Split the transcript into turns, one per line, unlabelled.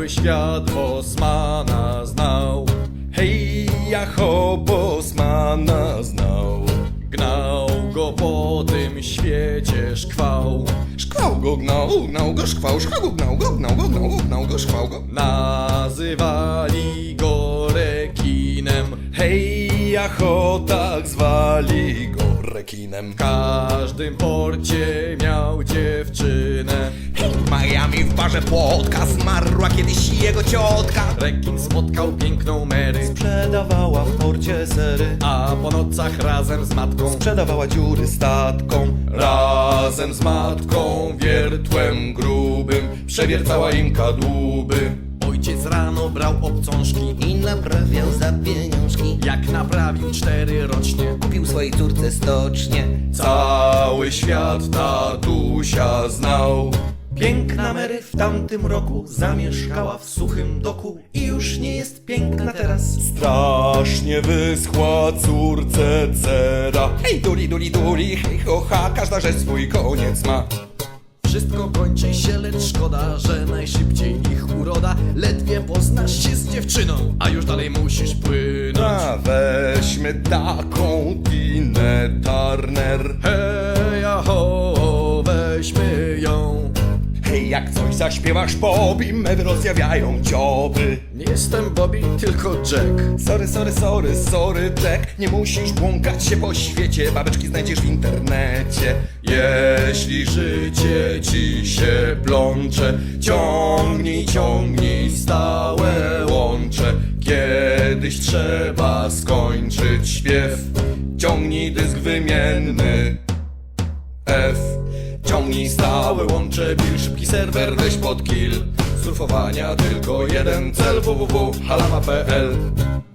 Cały świat Bosmana znał. Hej, jaho, Bosmana znał. Gnał go po tym świecie szkwał.
Szkwał go, gnał go, szkwał go, gnał go, szkwał go.
Nazywali go rekinem. Hej, jaho, tak zwali go rekinem. W każdym porcie miał dziewczynę.
W Miami w barze Płotka zmarła kiedyś jego ciotka.
Rekin spotkał piękną Mary,
Sprzedawała w porcie sery,
a po nocach razem z matką
sprzedawała dziury statkom.
razem z matką wiertłem grubym przewiercała im kadłuby. Ojciec rano brał obcążki
I naprawiał za pieniążki.
jak naprawił 4 rocznie.
Kupił swojej córce stocznie.
Cały świat tatusia znał. Piękna Mary w tamtym roku zamieszkała w suchym doku i już nie jest piękna teraz. Strasznie wyschła córce cera.
Hej, duli, hej, ho, ha, każda rzecz swój koniec ma.
Wszystko kończy się, lecz szkoda, że najszybciej ich uroda. Ledwie poznasz się z dziewczyną, a już dalej musisz płynąć.
A weźmy taką Tinę Turner.
Hej, aho, weźmy ją.
Hej, jak coś zaśpiewasz Bobby, mewy rozjawiają dzioby.
Nie jestem Bobby, tylko Jack.
Sorry, Jack, nie musisz błąkać się po świecie. Babeczki znajdziesz w internecie.
Jeśli życie ci się plącze, ciągnij stałe łącze. Kiedyś trzeba skończyć śpiew. Ciągnij dysk wymienny F. Ciągnij stałe łącze, bil szybki serwer, weź pod kill. Surfowania tylko jeden cel, www.halama.pl